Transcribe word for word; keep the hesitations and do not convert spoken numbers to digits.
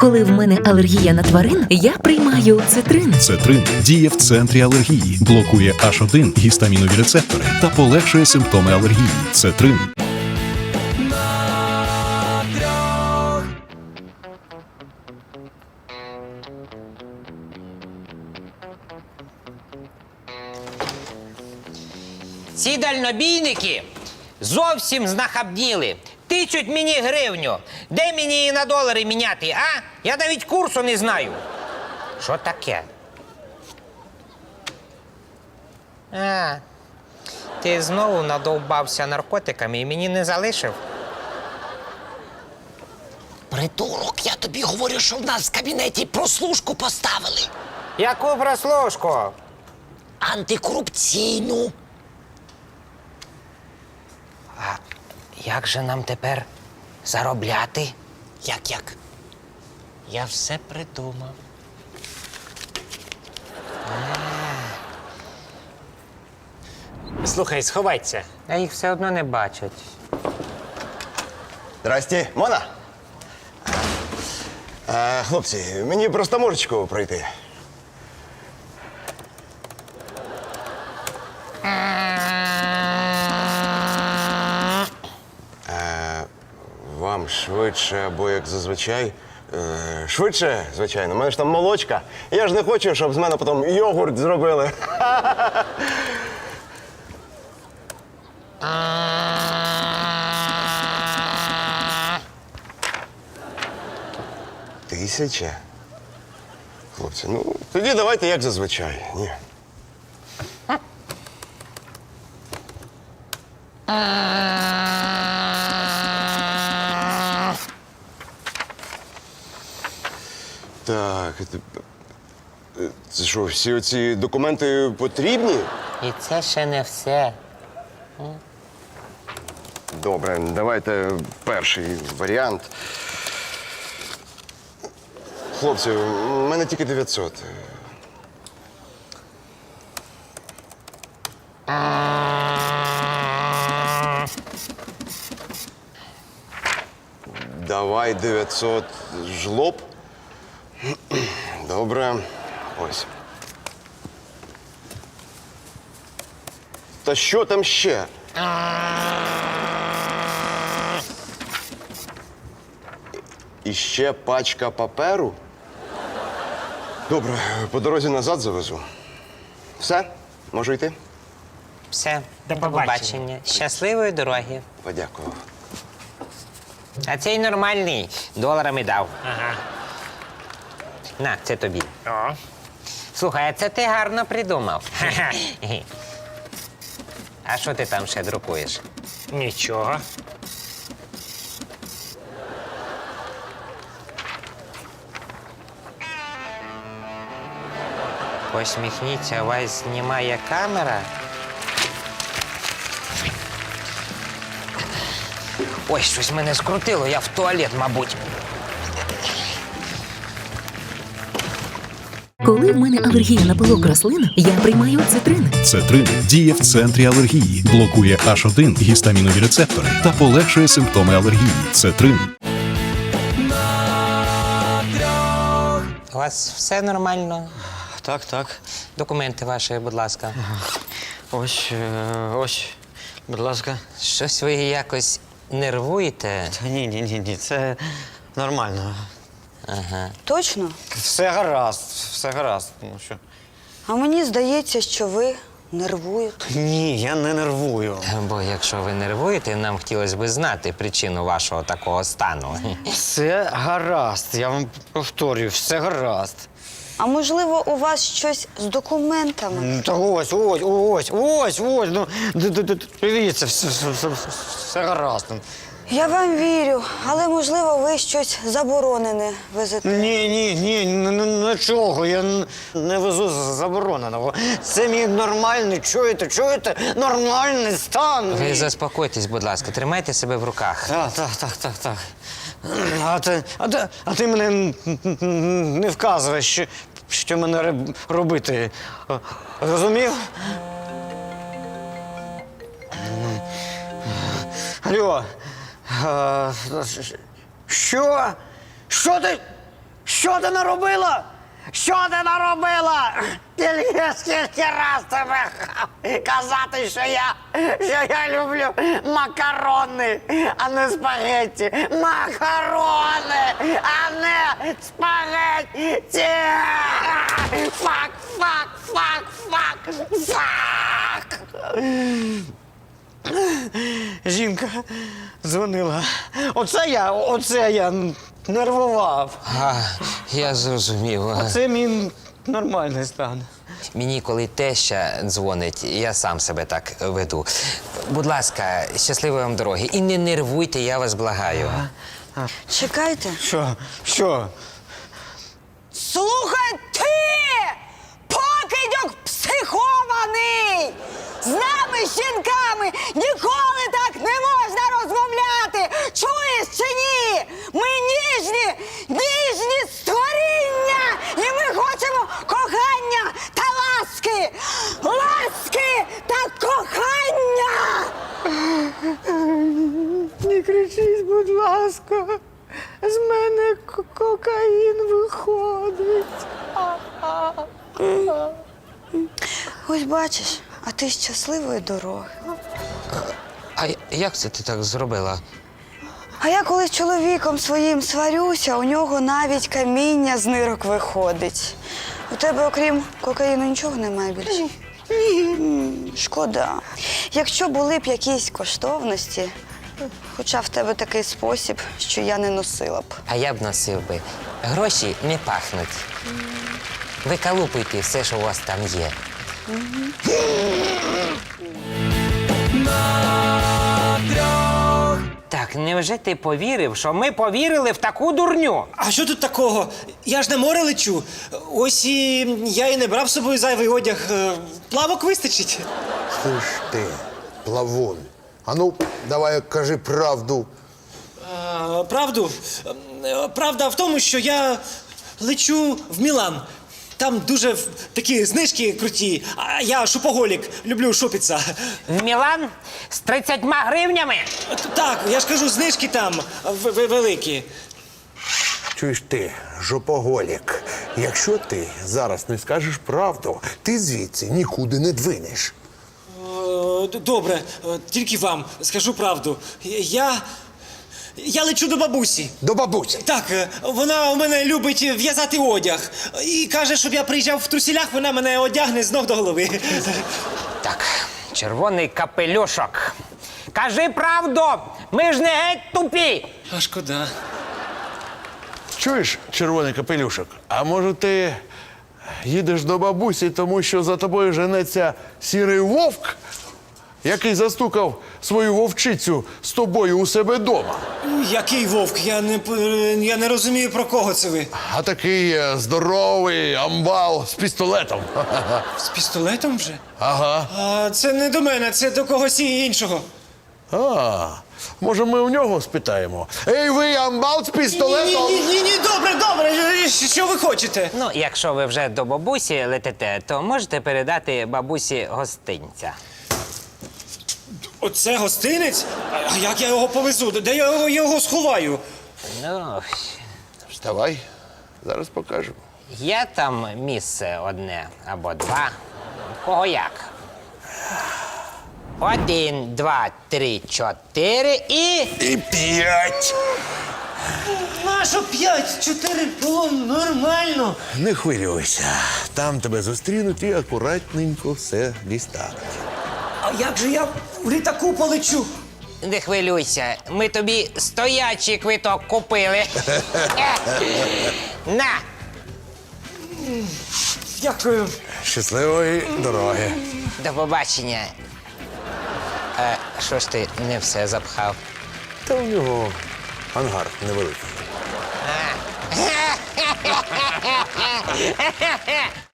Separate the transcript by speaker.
Speaker 1: Коли в мене алергія на тварин, я приймаю цитрин.
Speaker 2: Цетрин діє в центрі алергії, блокує аш один гістамінові рецептори та полегшує симптоми алергії. Цетрин.
Speaker 3: Ці дальнобійники зовсім знахабніли. Тичуть мені гривню. Де мені її на долари міняти, а? Я навіть курсу не знаю. Що таке? А, ти знову надовбався наркотиками і мені не залишив?
Speaker 4: Придурок, я тобі говорю, що в нас в кабінеті прослушку поставили.
Speaker 3: Яку прослушку?
Speaker 4: Антикорупційну.
Speaker 3: А як же нам тепер заробляти?
Speaker 4: Як-як? Я все придумав.
Speaker 5: Слухай, сховайся.
Speaker 3: А їх все одно не бачать.
Speaker 6: Здрасте, Мона? А, хлопці, мені просто можечку пройти. А, вам швидше або як зазвичай. Е, Швидше, звичайно. У мене ж там молочка. Я ж не хочу, щоб з мене потім йогурт зробили. Тисяча? Хлопці, ну тоді давайте як зазвичай. Ні. Так, це, це що, всі оці документи потрібні?
Speaker 3: І це ще не все.
Speaker 6: Добре, давайте перший варіант. Хлопці, у мене тільки дев'ятсот. Давай дев'ятсот жлоб. Добре. Ось. Та що там ще? І ще пачка паперу? Добре, по дорозі назад завезу. Все? Можу йти?
Speaker 3: Все.
Speaker 5: До побачення.
Speaker 3: Щасливої дороги.
Speaker 6: Подякував.
Speaker 3: А цей нормальний. Доларами дав.
Speaker 5: Ага.
Speaker 3: На, це тобі.
Speaker 5: О.
Speaker 3: Слухай, а це ти гарно придумав. А що ти там ще друкуєш?
Speaker 5: Нічого.
Speaker 3: Посміхніться, вас знімає камера. Ой, щось мене скрутило, я в туалет, мабуть.
Speaker 1: Коли в мене алергія на пилок рослин, я приймаю цитрин.
Speaker 2: Цетрин діє в центрі алергії, блокує аш один гістамінові рецептори та полегшує симптоми алергії. Цетрин.
Speaker 3: У вас все нормально?
Speaker 7: Так, так.
Speaker 3: Документи ваші, будь ласка.
Speaker 7: Ось, е, ось, будь ласка.
Speaker 3: Щось ви якось нервуєте?
Speaker 7: Та ні, ні, ні, ні, це нормально.
Speaker 8: Точно?
Speaker 7: Все гаразд, все гаразд. Ну що?
Speaker 8: А мені здається, що ви нервуєте.
Speaker 7: Ні, я не нервую.
Speaker 3: Бо якщо ви нервуєте, нам хотілося б знати причину вашого такого стану.
Speaker 7: Все гаразд, я вам повторюю, все гаразд.
Speaker 8: А можливо, у вас щось з документами?
Speaker 7: Ну, та ось, ось, ось, ось, ось, ну, д- д- д- дивіться, все, все, все, все гаразд.
Speaker 8: Я вам вірю, але можливо, ви щось заборонене везете.
Speaker 7: Ні, ні, ні, н- н- нічого, я н- не везу з- забороненого. Це мій нормальний, чуєте, чуєте, нормальний стан.
Speaker 3: Ви заспокойтесь, будь ласка, тримайте себе в руках.
Speaker 7: Так, так, так, так, так. А ти, а ти, а ти мене н- н- не вказуєш, що, що мене роб- робити. Розумів? Алло. А, що? Що ти? Що ти наробила? Що ти наробила? Тільки скільки раз тебе казати, що я, що я люблю макарони, а не спагетті. Макарони, а не спагетті. Фак, фак, фак, фак, фак. Жінка дзвонила. Оце я, оце я нервував.
Speaker 3: А, я зрозумів.
Speaker 7: Це мій нормальний стан.
Speaker 3: Мені, коли теща дзвонить, я сам себе так веду. Будь ласка, щасливої вам дороги. І не нервуйте, я вас благаю.
Speaker 8: Чекайте.
Speaker 7: Що? Що?
Speaker 8: Слухай ти! Покидьок психований! З нами, жінками, ніколи так не можна розмовляти! Чуєш чи ні? Ми ніжні, ніжні створіння! І ми хочемо кохання та ласки! Ласки та кохання!
Speaker 7: Не кричіть, будь ласка. З мене к- кокаїн виходить.
Speaker 8: Ось бачиш, а ти щасливої дороги.
Speaker 3: А як це ти так зробила?
Speaker 8: А я коли з чоловіком своїм сварюся, у нього навіть каміння з нирок виходить. У тебе, окрім кокаїну, нічого немає більше? Ні. Шкода. Якщо були б якісь коштовності, хоча в тебе такий спосіб, що я не носила б.
Speaker 3: А я б носив би. Гроші не пахнуть. Викалупуйте все, що у вас там є. Так, невже ти повірив, що ми повірили в таку дурню?
Speaker 9: А що тут такого? Я ж на море лечу. Ось і я і не брав з собою зайвий одяг. Е, Плавок вистачить.
Speaker 10: Слышь ты, плавун, а ну, давай кажи правду.
Speaker 9: А, правду? Е, Правда в тому, що я лечу в Мілан. Там дуже в- такі знижки круті, а я шопоголік, люблю шопитися.
Speaker 3: В Мілан з тридцятьма гривнями?
Speaker 9: Так, я ж кажу, знижки там в- в- великі.
Speaker 10: Чуєш ти, жопоголік, якщо ти зараз не скажеш правду, ти звідси нікуди не двинеш.
Speaker 9: Е, д- Добре, е, тільки вам скажу правду. Я. Я лечу до бабусі.
Speaker 10: До бабусі.
Speaker 9: Так, е, вона у мене любить в'язати одяг. І каже, щоб я приїжджав в трусілях, вона мене одягне з ног до голови.
Speaker 3: Так, червоний капелюшок. Кажи правду! Ми ж не геть тупі!
Speaker 9: А шкода.
Speaker 10: Чуєш, червоний капелюшок, а може ти їдеш до бабусі, тому що за тобою женеться сірий вовк, який застукав свою вовчицю з тобою у себе вдома?
Speaker 9: Який вовк? Я не, п- я не розумію, про кого це ви.
Speaker 10: А такий е, здоровий амбал з пістолетом.
Speaker 9: З пістолетом вже?
Speaker 10: Ага.
Speaker 9: А це не до мене, це до когось іншого.
Speaker 10: А, може ми у нього спитаємо? Ей, ви амбал з пістолетом?
Speaker 9: Ні, ні, ні, ні, добре, добре. Що ви хочете?
Speaker 3: Ну, якщо ви вже до бабусі летите, то можете передати бабусі гостинця.
Speaker 9: Оце гостинець? А як я його повезу? Де я його, його сховаю?
Speaker 3: Ну,
Speaker 10: Вставай, зараз покажемо.
Speaker 3: є там місце одне або два. Кого як? Один, два, три, чотири і.
Speaker 10: І п'ять.
Speaker 9: Нащо п'ять? Чотири було нормально.
Speaker 10: Не хвилюйся, там тебе зустрінуть і акуратненько все дістануть.
Speaker 9: А як же я в літаку полечу?
Speaker 3: Не хвилюйся, ми тобі стоячий квиток купили. На!
Speaker 9: Дякую.
Speaker 10: Щасливої дороги.
Speaker 3: До побачення. Е, що ж ти не все запхав?
Speaker 10: Та у нього ангар невеликий.